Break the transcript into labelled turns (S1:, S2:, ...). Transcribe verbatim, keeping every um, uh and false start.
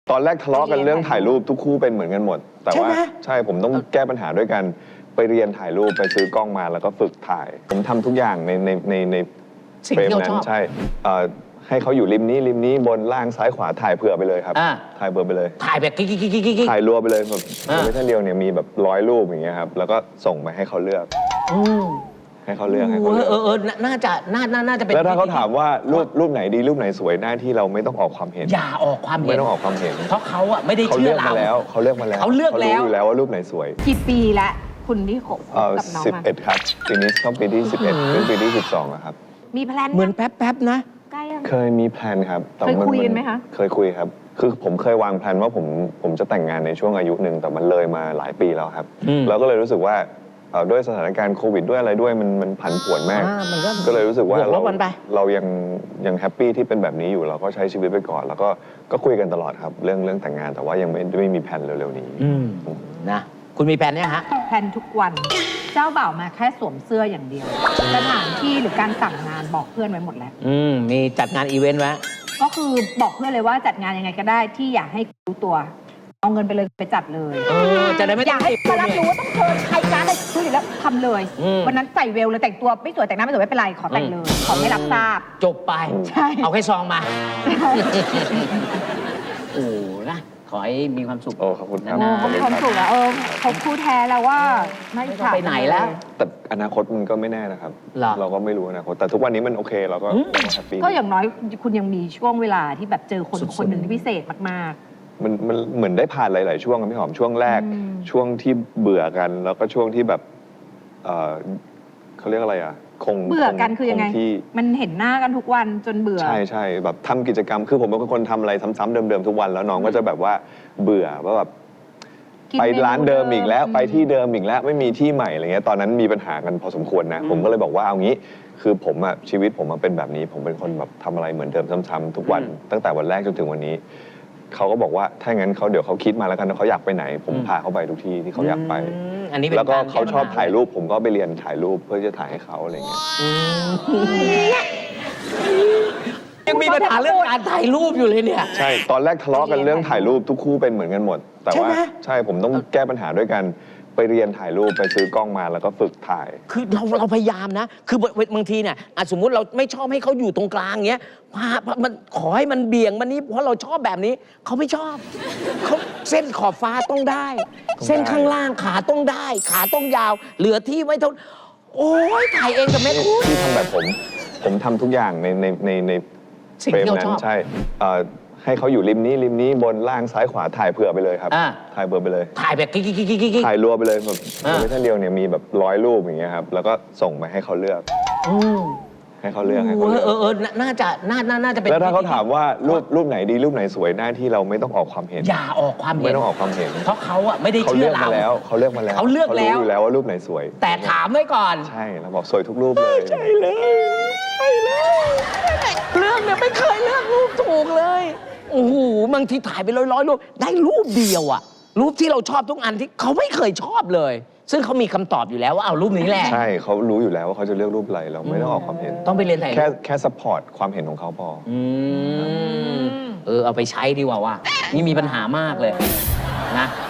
S1: ตอนแรกทะเลาะกันเรื่องถ่ายรูปทุกคู่เป็นเหมือนกันหมดแต่ว่าใช่ผมต้องแก้ปัญหาด้วยกันไปเรียนถ่ายรูปไปซื้อกล้องมาแล้วก็ฝึกถ่าย ผมทำทุกอย่างในในในในเฟรมนั้นใช่ให้เขาอยู่ริมนี้ริมนี้บนล่างซ้ายขวาถ่ายเผื่อไปเลยครับถ่ายเผื่อไปเลย
S2: ถ่ายแบบกิ๊กกิ๊กกิ๊กกิ๊ก
S1: ถ่ายรัวไปเลยแบบไม่ใช่เดียวเนี่ยมีแบบร้อยรูปอย่างเงี้ยครับแล้วก็ส่งไปให้เขาเลือกให้เขาเลือกให้เขาเลือก
S2: เออเออน่าจะน่าน่าจะเป็น
S1: แล้วถ้าเขาถามว่ารูปรูปไหนดีรูปไหนสวยหน้าที่เราไม่ต้องออกความเห็น
S2: อย่าออกความเห็น
S1: ไม่ต้องออกความเห็น
S2: เพราะเขาอะไม่ได้เชื่อเรา
S1: แล้วเขาเลือกมาแล้ว
S2: เขาเลือกแล้ว
S1: เขารู้อยู่แล้วว่ารูปไหนสวย
S3: กี่ปีละคุณที่คบกับน้อง
S1: สิบเอ็ดครับปีนี้เข้าปีที่สิบเอ็ดเป็นปีที่สิบสองครับ
S3: มีแพลน
S2: เหมือนแป๊บๆนะ
S1: เคยมีแพลนครับ
S3: เคยคุยกันไหมคะ
S1: เคยคุยครับคือผมเคยวางแผนว่าผมผมจะแต่งงานในช่วงอายุหนึ่งแต่มันเลยมาหลายปีแล้วครับเราก็เลยรู้สึกว่าด้วยสถานการณ์โควิดด้วยอะไรด้วยมันมันผันผวนมากก็เลยรู้สึกว่าเราเรายังยังแฮปปี้ที่เป็นแบบนี้อยู่เราก็ใช้ชีวิตไปก่อนแล้วก็ก็คุยกันตลอดครับเรื่องเรื่องแต่งงานแต่ว่ายังไม่ไม่มีแผนเร็วๆนี้
S2: นะคุณมีแผนเนี่ยฮะ
S3: แผนทุกวันเจ้าบ่าวมาแค่สวมเสื้ออย่างเดียวสถานที่หรือการสั่งงานบอกเพื่อนไว้หมดแล้ว
S2: อืมมีจัดงานอีเวนต์ไว้
S3: ก็คือบอกเพื่อนเลยว่าจัดงานยังไงก็ได้ที่อยากให้รู้ตัวเอาเงินไปเลยไปจัดเลย
S2: เออจะได้ไม่
S3: อยากให้มารับรู้ว่าต้องเชิญใครการอะไรคุยแล้วทำเลยวันนั้นใส่เวลเลยแต่งตัวไม่สวยแต่งหน้าไม่สวยไม่เป็นไรขอแต่งเลยขอไม่รับทราบ
S2: จบไป
S3: ใช่
S2: เอาแค่ซองมาโอ้นะขอให้มีความสุข
S1: โอ้ขอบคุณครับ
S3: เขามีความสุขแล้วเออเขาคู่แท้แล้วว่าไม่
S2: ไปไหนแล้ว
S1: แต่อนาคตมันก็ไม่แน่นะครับเราก็ไม่รู้อนาคตแต่ทุกวันนี้มันโอเคเราก็แฮปปี้
S3: ก็อย่างน้อยคุณยังมีช่วงเวลาที่แบบเจอคนคนหนึ่งที่พิเศษมาก
S1: ๆมันมันเหมือนได้ผ่านหลายๆช่วงพี่หอมช่วงแรกช่วงที่เบื่อกันแล้วก็ช่วงที่แบบเขาเรียกอะไรอ่ะคง
S3: เบื่อกันคือยังไงมันเห็นหน้ากันทุกวันจนเบื่อ
S1: ใช่ใช่แบบทำกิจกรรมคือผมเป็นคนทำอะไรซ้ำๆเดิมๆทุกวันแล้วน้องก็จะแบบว่าเบื่อว่าแบบไปร้านเดิมอีกแล้วไปที่เดิมอีกแล้วไม่มีที่ใหม่อะไรเงี้ยตอนนั้นมีปัญหากันพอสมควรนะผมก็เลยบอกว่าเอางี้คือผมอะชีวิตผมเป็นแบบนี้ผมเป็นคนแบบทำอะไรเหมือนเดิมซ้ำๆทุกวันตั้งแต่วันแรกจนถึงวันนี้เขาก็บอกว่าถ้างั้นเขาเดี๋ยวเขาคิดมาแล้วกันว่าเขาอยากไปไหนผมพาเขาไปทุกที่ที่เขาอยากไปแล้วก็เขาชอบถ่ายรูปผมก็ไปเรียนถ่ายรูปเพื่อจะถ่ายให้เขาอะไรเงี้ย
S2: ยังมีปัญหาเรื่องการถ่ายรูปอยู่เลยเนี่ย
S1: ใช่ตอนแรกทะเลาะกันเรื่องถ่ายรูปทุกคู่เป็นเหมือนกันหมดแต่ว่าใช่ผมต้องแก้ปัญหาด้วยกันไปเรียนถ่ายรูปไปซื้อกล้องมาแล้วก็ฝึกถ่าย
S2: คือเราเราพยายามนะคือบางทีเนี่ยสมมุติเราไม่ชอบให้เขาอยู่ตรงกลางเงี้ยพามันขอให้มันเบี่ยงมันนี้เพราะเราชอบแบบนี้เขาไม่ชอบเขาเส้นขอบฟ้าต้องได้ เส้นข้างล่างขาต้องได้ขาต้องยาวเหลือที่ไว้เท่าโอ้ยถ่ายเองกับแม่คุณ
S1: ที่ทำแบบผมผมทำทุกอย่างในในในในเฟรมนั้นใช่ให้เขาอยู่ริมนี้ริมนี้บนล่างซ้ายขวาถ่ายเผื่อไปเลยครับถ่ายเผื่อไปเลย
S2: ถ่ายแบบกิ๊กกิ๊กกิ๊กกิ๊ก
S1: ถ่ายรัวไปเลยแบบไม่ใช่เดียวเนี่ยมีแบบร้อยรูปอย่างเงี้ยครับแล้วก็ส่งไปให้เขาเลือกให้เขาเลือกให้เขาเลือก
S2: เออเออน่าจะน่าน่าจะเป็น
S1: แล้วถ้าเขาถามว่ารูปรูปไหนดีรูปไหนสวยหน้าที่เราไม่ต้องออกความเห็น
S2: อย่าออกความเห็น
S1: ไม่ต้องออกความเห็น
S2: เพราะเขาอะไม่ได้เชื่อเรา
S1: แล้วเขาเลือกมาแล้ว
S2: เขาเลือกแล้ว
S1: รู้อยู่แล้วว่ารูปไหนสวย
S2: แต่ถามไว้ก่อน
S1: ใช่เราบอกสวยทุกรูปเลย
S2: ใช่เลยใช่เลยเรื่องเนี่ยไม่เคยเลือกรูปถูกเลยโอ้โหบางทีถ่ายไปร้อยร้อยรูปได้รูปเดียวอะรูปที่เราชอบทุกอันที่เขาไม่เคยชอบเลยซึ่งเขามีคำตอบอยู่แล้วว่าเอารูปนี้แหละ
S1: ใช่เขารู้อยู่แล้วว่าเขาจะเลือกรูปอะไรเราไม่ต้องออกความเห็น
S2: ต้องไปเรียนถ่าย
S1: แค่แค่ซัพพอร์ตความเห็นของเขาพอ
S2: เออเอาไปใช้ดีกว่าว่านี่มีปัญหามากเลยนะ